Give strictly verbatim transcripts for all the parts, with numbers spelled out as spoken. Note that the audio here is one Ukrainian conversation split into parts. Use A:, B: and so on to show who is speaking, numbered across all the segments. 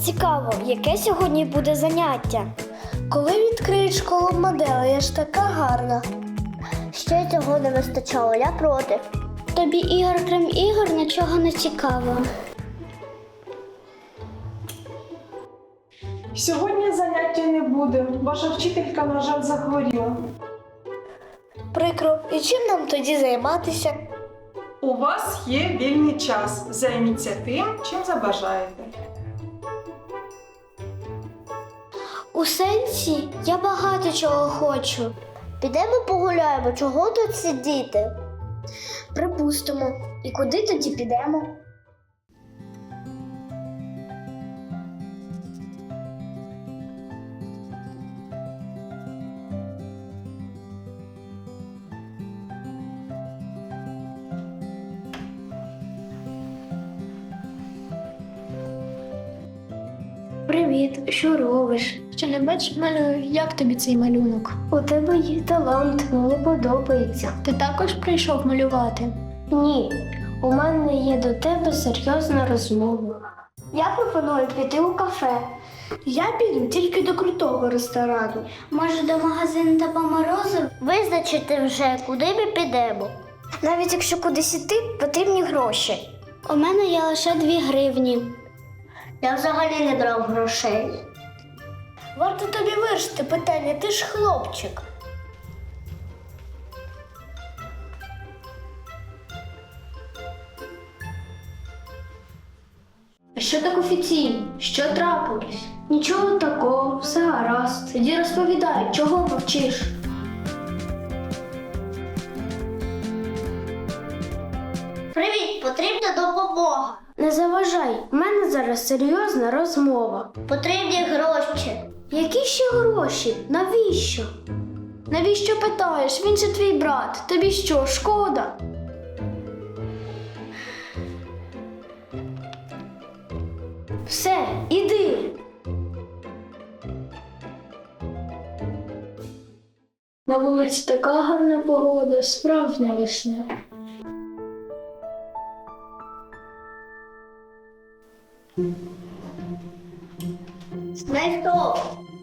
A: Цікаво, яке сьогодні буде заняття? Коли відкриють школу моделей, я ж така гарна. Ще цього не вистачало, я проти. Тобі ігор, крім ігор, нічого не цікаво.
B: Сьогодні заняття не буде. Ваша вчителька, на жаль, захворіла.
A: Прикро. І чим нам тоді займатися?
B: У вас є вільний час. Займіться тим, чим забажаєте.
A: У сенсі я багато чого хочу. Підемо погуляємо, чого тут сидіти? Припустимо. І куди тоді підемо? Привіт, що робиш?
C: Що не бачиш, малюю, як тобі цей малюнок?
A: У тебе є талант, мені подобається.
C: Ти також прийшов малювати?
A: Ні, у мене є до тебе серйозна розмова. Я пропоную піти у кафе. Я піду тільки до крутого ресторану. Може, до магазину та по морозу? Визначити вже, куди ми підемо. Навіть якщо кудись іти, потрібні гроші. У мене є лише дві гривні. Я взагалі не брав грошей. Варто тобі вирішити питання, ти ж хлопчик.
C: А що так офіційно? Що трапилось?
A: Нічого такого, все гаразд.
C: Тоді розповідай, чого мовчиш?
A: Привіт, потрібна допомога. Не заважай, в мене зараз серйозна розмова. Потрібні гроші. Які ще гроші? Навіщо?
C: Навіщо питаєш? Він же твій брат. Тобі що, шкода?
A: Все, іди.
C: На вулиці така гарна погода, справжня весна.
A: Знайшов.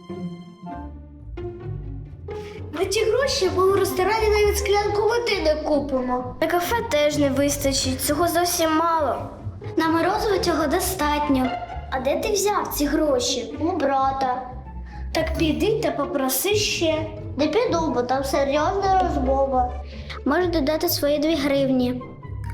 A: На ті гроші ми у ресторані навіть склянку води не купимо. На кафе теж не вистачить, цього зовсім мало. На морозиво цього достатньо. А де ти взяв ці гроші? У брата. Так піди та попроси ще. Не піду, бо там серйозна розмова. Можеш додати свої дві гривні.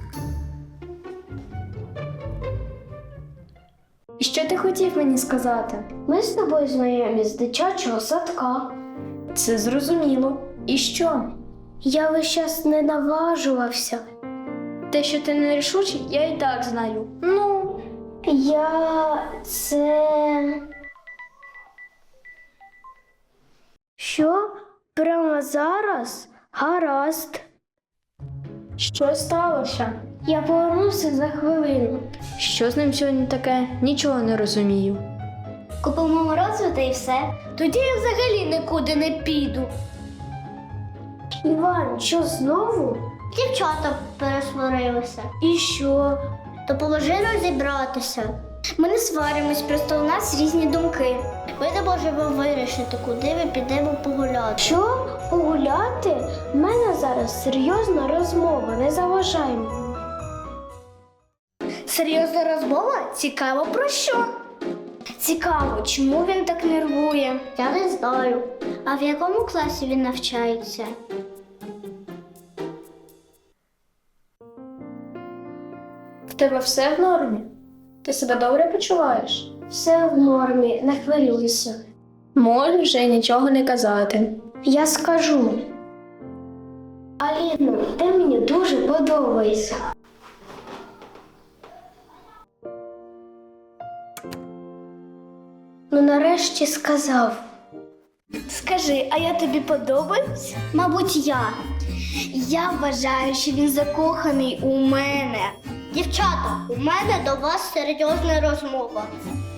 C: І що ти хотів мені сказати?
A: Ми з тобою знайомі з дитячого садка.
C: Це зрозуміло. І що?
A: Я весь час не наважувався.
C: Те, що ти нерішучий, я і так знаю. Ну,
A: Я це. Що? Прямо зараз? Гаразд.
C: що сталося?
A: Я повернуся за хвилину.
C: Що з ним сьогодні таке? Нічого не розумію.
A: Купимо морозиво та й все. Тоді я взагалі нікуди не піду. Іван, що знову? Дівчата пересварилися. І що? Допоможи розібратися. Ми не сваримось, просто у нас різні думки. Ми не можемо вирішити, куди ми підемо погуляти. Що? Погуляти? У мене зараз серйозна розмова, не заважай мені. Серйозна розмова? Цікаво про що? Цікаво, чому він так нервує? Я не знаю. А в якому класі він навчається?
C: В тебе все в нормі? Ти себе добре почуваєш?
A: Все в нормі, не хвилюйся.
C: Можеш вже нічого не казати.
A: Я скажу. Аліно, ти мені дуже подобаєшся. Ну нарешті сказав. Скажи, а я тобі подобаюсь? Мабуть, я. Я вважаю, що він закоханий у мене. Дівчата, у мене до вас серйозна розмова.